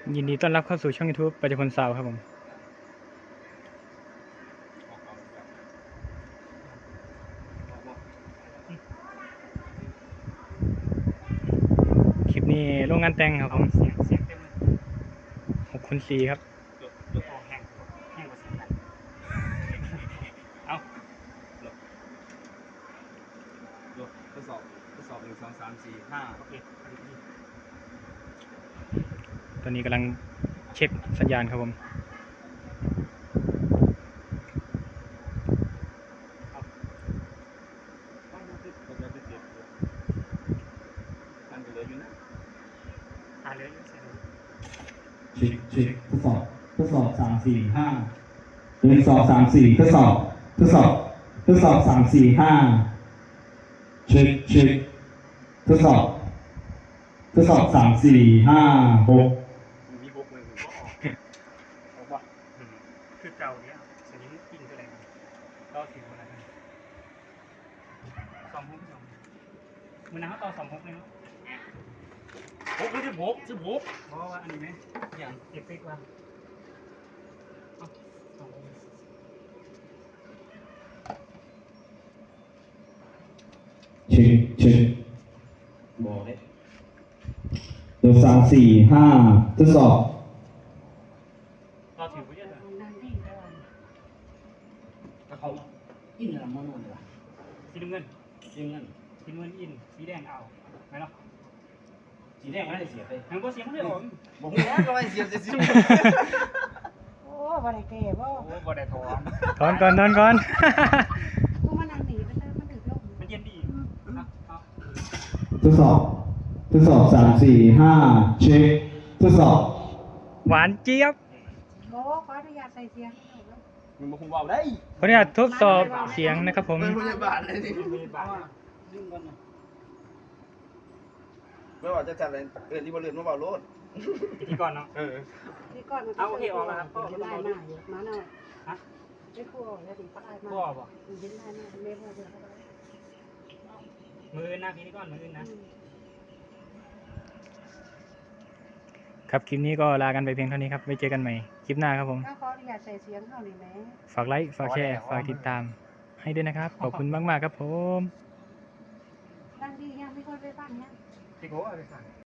ยินดีต้อนรับเข้าสู่ช่อง YouTube ปัจจุบันสาวครับผมคลิปนี้โรงงานแต่งครับผม6x4ครับเอาทดสอบ1 2 3 4 5โอเคตอนนี้กำลังเช็คสัญญาณครับผมเช็คทดสอบ3 4 5 1 2 3 4ทดสอบ3 4 5เช็คทดสอบ3 4 5 6 มีบุกเลยก็ออกออกว่าคือเก่าเนี้ยสนิมกิ้งเท่าไหร่ต่อถึงอะไร26มือน้ำต่อ26เลยเนาะ 6 หรือ16 เพราะว่าอันนี้ไหมอย่างเอฟเฟกต์ว่าเช็คบอกเลยตัว3 4 5ทดสอบต่อถึงเยอะเลยแล้วเขาอินอะไรมั่วๆเลยว่ะสีน้ำเงินสีเงินสีน้ำเงินอินสีแดงเอาไหมเนาะสีแดงไม่ได้เสียไปมันก็เสียงมันเลยผมบอกว่าก็ไม่เสียจะสีโอ้บ่ได้แก่บ่โอ้บ่ได้ถอนถอนก่อนกูมานั่งหนีมันได้มันถึงลงมันเย็นดีเอาทดสอบ3 4 5เช็คทดสอบหวานเจี๊ยบบ่ขออนุญาตใส่เสียงมึงมาคุมเบาได้ขออนุญาตทดสอบเสียงนะครับผมเป็นพยาบาลเลยนี่ไม่ว่าจะจัดอะไรที่บริเวณมาเบาโลดพิธีก่อนเนาะที่ก่อนมันเอาโอเคออกแล้วครับเห็นได้มาอยู่มาหน่อยฮะไม่ครัวแล้วดิเขาได้มาพ่อบ่เห็นได้มาเม่บ่เดือดมือหน้าพิธีก่อนมือนะ ครับคลิปนี้ก็ลากันไปเพียงเท่านี้ครับไว้เจอกันใหม่คลิปหน้าครับผมก็ขออนุญาตใส่เสียงเท่านี้แหมฝากไลค์ฝากแชร์ฝากติดตามให้ด้วยนะครับขอบคุณมากๆครับผมดังดียังไม่ค่อยไปฟังยังพี่โก้เอาไปสั่ง